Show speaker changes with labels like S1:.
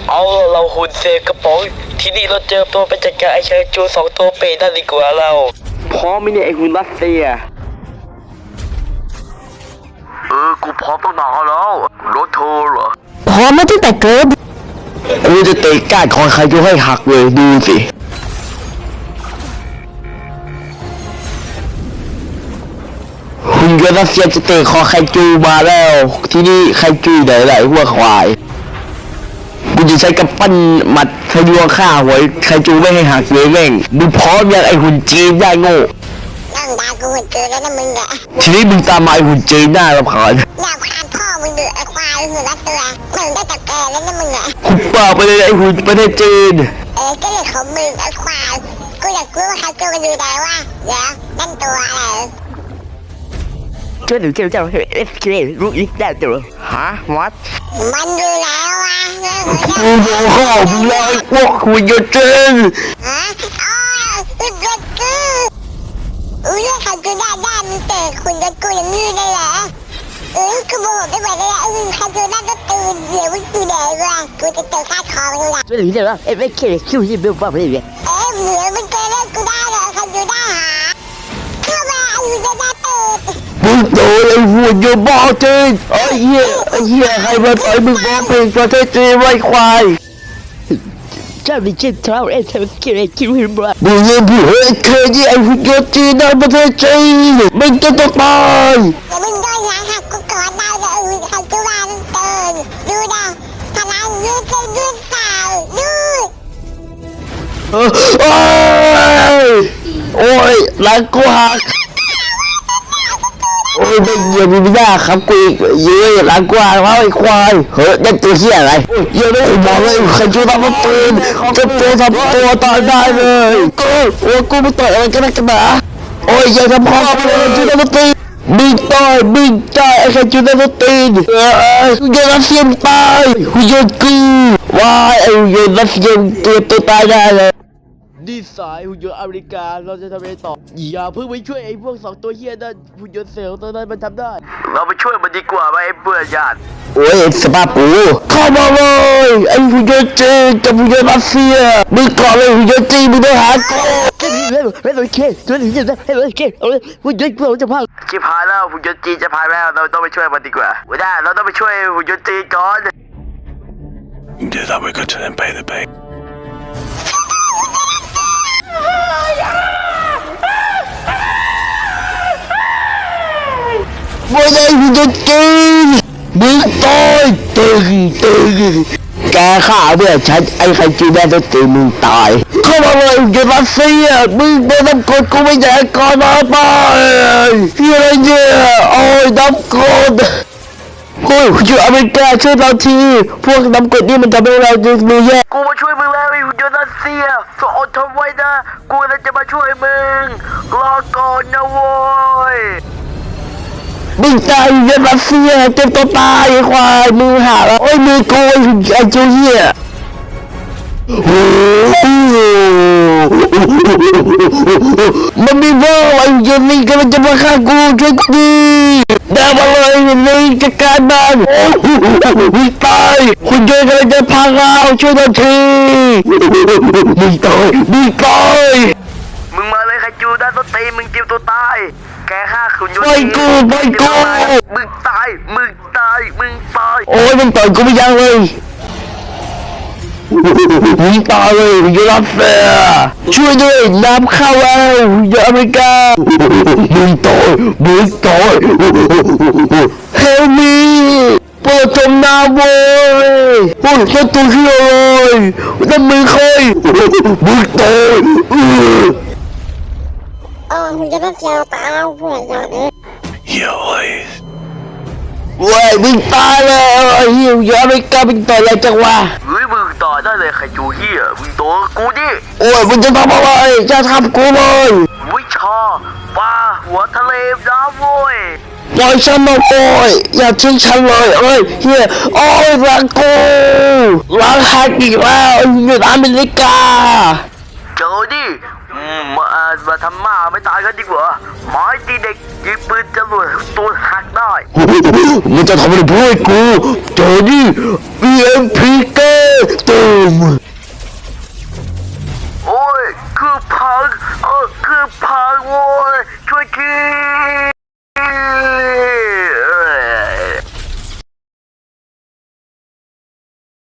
S1: เอาเราหุ่นเซกระป๋องที่นี่เราเจอตัวเป็นจัดการไอเชิงจู2ตัวเปรตนั่นดีกว่าเราพร้อมไหมเนี่ยไอหุ่นรัสเซียกูพร้อมตั้งนานแล้วรถเธอเหรอ
S2: พร้อมมาตั้งแต่เกิด
S1: กูจะเตะก้านคอใครจะให้หักเลยดูสิหุ่นยนต์รัสเซียจะเตะคอไคจูมาแล้วที่นี่ไคจูไหนหัวควายกูจะใช้กำปั้นมัดทะลวงฆ่าหัวไคจูไม่ให้หักเลยแม่งมึงพร้อมยังไอหุ่นจีนได้โง่
S3: นั่งด่ากูหุ่นจีนแล้วนะมึงอะ
S1: ทีนี้มึงตามมาไอหุ่นจีนหน้ารำคาญ
S3: อยากพานพ่อมึงเดือดไอควายหุ่นรัสเซียมึงได้แต่แกแล้วนะมึงอะ
S1: หุบปากไปเลยไอหุ่นประเทศจีน
S3: ก็เรื่องของมึงไอควายกูอยากรู้ว่าใครจูกันอยู่ไหนวะเดี๋ยวนั่นตัวอะไร
S2: ช่วยหนูเจ้าเอฟเครู้อีกได้ตัวฮะวัด
S3: มันอยู่แล้ววะ
S1: กูบอกข้าวมึงเลยพวกหุ่นยนต์จีน
S3: ฮะหุ่นยนต์กูเรื่องใครจูได้มึงเตะหุ่นยนต์กูอย่างนี้ได้เหรอกูบอกได้ไหมเลยใครจูได้ก็ตื่นเดี๋ยวมึงกูแดงว่ะกูจะเจอค่าทองมึงละ
S2: ช่วยหนูเจ้าเอฟเคคิวที่เบลฟ้าไปเลย
S3: เหนือมึงเจอเล่นกูได้เหรอใครจูได้หาเข้ามาหุ่นยนต์ได้เปิด
S1: มึงโดนไอ้หุ่นยนต์บ้าจีนไอ้เหี้ยใครมาต่อยมึงบ้าเป็นประเทศจีนไว้ควาย
S2: เจ้าดิจิทัลเอฟเคคิวที่บ้า
S1: มึงยังพูดเคยไอ้หุ่นยนต์จีนในประเทศจีนมึงจะต้องตาย
S3: อย่ามึงโดนยาหักกูกอดได้เลยใครจูว่ามึงเตือนดูนะพลังยืดเปล่ายืด
S1: โอ้ยหลังกูหักโอ้ยไม่เยี่ยมไม่ได้ครับกูเยอะหลังกว่าแล้วไอ้ควายเฮ้ยนั่นตัวเหี้ยอะไรเยอะเลยบอกเลยใครจะทำมันปืนจะตัวทำตัวตายได้เลยกูไม่ต่อยอะไรกันนักกันหนาโอ้ยอย่าทำพ่อเลยจะทำมันตีบิงต่อยไอ้ใครจะทำมันตีกูจะรัสเซียมตายกูโยนกูว้ายไอ้โยนรัสเซียมตัวตายได้เลยดีสายหุ่นยนต์อเมริกาเราจะทำอะไรต่ออย่าเพิ่งไปช่วยไอ้พวก2ตัวเหี้ยนั่นหุ่นยนต์เซลล์ตัวนั้นมันทำได้เราไปช่วยมันดีกว่าไหมไอ้เพื่อนญาติโอ้ยสภาพกูเข้ามาเลยไอ้หุ่นยนต์จีนกับหุ่นยนต์รัสเซียมึงก่อนเลยหุ่นยนต์จีนมึงต้องหากู
S2: ไม่ต้องเคช่วยหนูเจ้าไม่ต้องเคหุ่นยนต์เราจะพัง
S1: ชิบหายแล้วหุ่นยนต์จีนจะพายแล้วเราต้องไปช่วยมันดีกว่าไม่ได้เราต้องไปช่วยหุ่นยนต์จีนก่อน
S4: Do that we got to then pay the pay
S1: ไม่ได้หุ่นยนต์จีนมึงตายตึงแกฆ่าเพื่อนฉันไอ้ใครจีนได้จะตีมึงตายเข้ามาเลยหุ่นยนต์รัสเซียมึงไม่ต้องกดกูไม่อยากก่อนนะไปที่อะไรเนี่ยโอ้ยน้ำกดโอ้ยหุ่นยนต์อเมริกาช่วยเราทีพวกน้ำกดนี่มันทำให้เราดูแย่กูมาช่วยมึงแล้วไอ้หุ่นยนต์รัสเซียก็อดทนไว้นะกูจะมาช่วยมึงรอก่อนนะโว้ยมึงตายเยอะรัสเซียเจ็บตัวตายไอ้ควายมือหักโอ้ยมือโกยไอ้เจ้าเหี้ยมันมีว่าไอ้เจนนี่กำลังจะมาฆ่ากูช่วยกูดีเดินมาเลยนี่จัดการมันตายคุณเจนกำลังจะพังเราช่วยหน่อยทีมึงตายมึงมาเลยใครจูด้านต้นตีมึงเจ็บตัวตายแกฆ่าขุนยนต์ไม่กูมึงตายโอ้ยมึงต่อยกูไม่ยังเลยมึงตายเลยยูรัสเซียช่วยด้วยน้ำเข้าแล้วยูอเมริกามึงตายเฮลมีเปิดจมน้ำเว้ยโอ้ยแค่ตัวเหี้ยเลยนั่นมึงใครมึงตาย
S3: หุ่นยนต์รัสเซียตายเพื่อนอย่างนี้
S1: เว้ยมึงตายแล้วไอ้เหี้ยอย่าไปกล้ามึงต่อยอะไรจังวะ
S4: เฮ้ยมึงต่อได้เลยใครจูเหี้ยมึงตัวกูดิ
S1: โอ้ยมึงจะทำอะไรจะทำกูเลย
S4: วิชาปลาหัวทะเลน้ำโว้ย
S1: ปล่อยฉันมาโอ้ยอย่าทิ้งฉันเลยเอ้ยเฮียโอ้ยรักกูรักฮักอีกแล้วอยู่อเมริกา
S4: เจอดิมาทำหมาไม่ตายกันดีกว่าไม้ตีเด็กยิงปืนจรวดตัวหักได้
S1: มึงจะทำอะไรพูดกูเจอดิ EMP เกตัวม
S4: โอ้ยคือพังคือพังโว้ย